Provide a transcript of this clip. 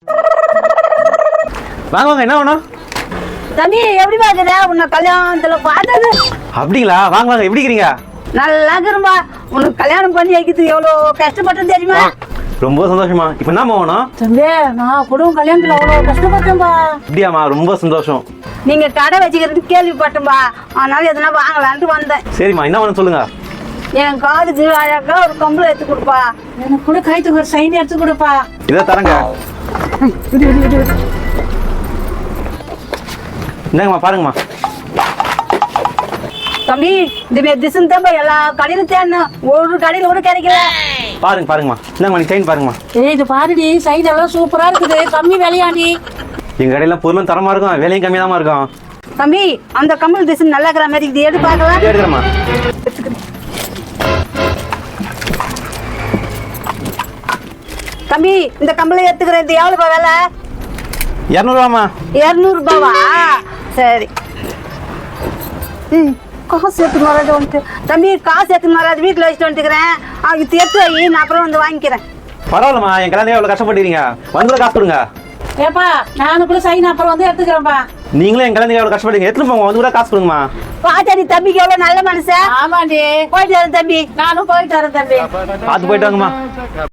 வாங்க வாங்க, என்ன வேணும்? தம்பி எப்படி பாக்குற? உன்னை கல்யாணத்துல பார்த்தது. அப்படிங்களா? வாங்க வாங்க, எப்படி இருக்கிறீங்க? நல்லா இருக்கிறம்பா. உனக்கு கல்யாணம் பண்ணி வைக்கிறது எவ்வளவு கஷ்டப்பட்டேன் தெரியுமா? ரொம்ப சந்தோஷமா. இப்ப என்ன வேணும்? தம்பி நான் குடும்ப கல்யாணத்துல அவ்வளவு கஷ்டப்பட்டேன்பா. அப்படியாம்மா? ரொம்ப சந்தோஷம். நீங்க கடை வச்சுக்கிறது கேள்விப்பட்டேன்பா. அதனால எதனா வாங்கலான்ட்டு வந்தேன். சரிம்மா, என்ன வேணும் சொல்லுங்க. என் காதுக்கு அழகா ஒரு கம்பளம் எடுத்து கொடுப்பா. எனக்கு கூட கைத்துக்கு ஒரு சைன் எடுத்து கொடுப்பா. இதை தரங்க. என்னங்கம்மா, பாருங்கம்மா. தம்பி இந்த திசன் தான் எல்லா கடையிலும் தேடணும், ஒரு கடையில கூட கிடைக்கல. பாருங்க பாருங்கம்மா, என்னங்கம்மா நீ சைன் பாருங்கம்மா. ஏய் இது பாருடி, சைன் எல்லாம் சூப்பரா இருக்குது, கம்மி விலையாண்டி. எங்க கடையில பொருளும் தரமா இருக்கும், விலையும் கம்மியா தான் இருக்கும். தம்பி அந்த கம்பல் திசன் நல்லா இருக்கிற மாதிரி இது எடுத்து பார்க்கலாம். எடுக்கிறேம்மா. தம்பி இந்த கம்பளை எடுத்துக்கிறது எவ்வளவுப்பா விலை? 200 ரூபாமா? 200 ரூபாவா? சரி. காசு எடுத்துன்னு வராது வந்துட்டு. தம்பி காசு எடுத்துன்னு வராது, வீட்டில் வச்சுட்டு வந்துக்கிறேன். இது எடுத்து வை, நான் அப்புறம் வந்து வாங்கிக்கிறேன். பரவாயில்லம்மா, என் கல்யாணம் எவ்வளவு கஷ்டப்பட்டுறீங்க, வந்து காசு கொடுங்க. ஏப்பா நானும் கூட சைன் அப்புறம் வந்து எடுத்துக்கிறேன்ப்பா. நீங்களும் என் கல்யாணம் எவ்வளவு கஷ்டப்படுறீங்க, எடுத்துட்டு போங்க, வந்து கூட காசு கொடுங்கம்மா. பாத்தாடி தம்பிக்கு எவ்வளவு நல்ல மனுஷன். ஆமாண்டி. போயிட்டு வரேன் தம்பி. நானும் போயிட்டு வரேன் தம்பி. பார்த்து போயிட்டு வாங்கம்மா.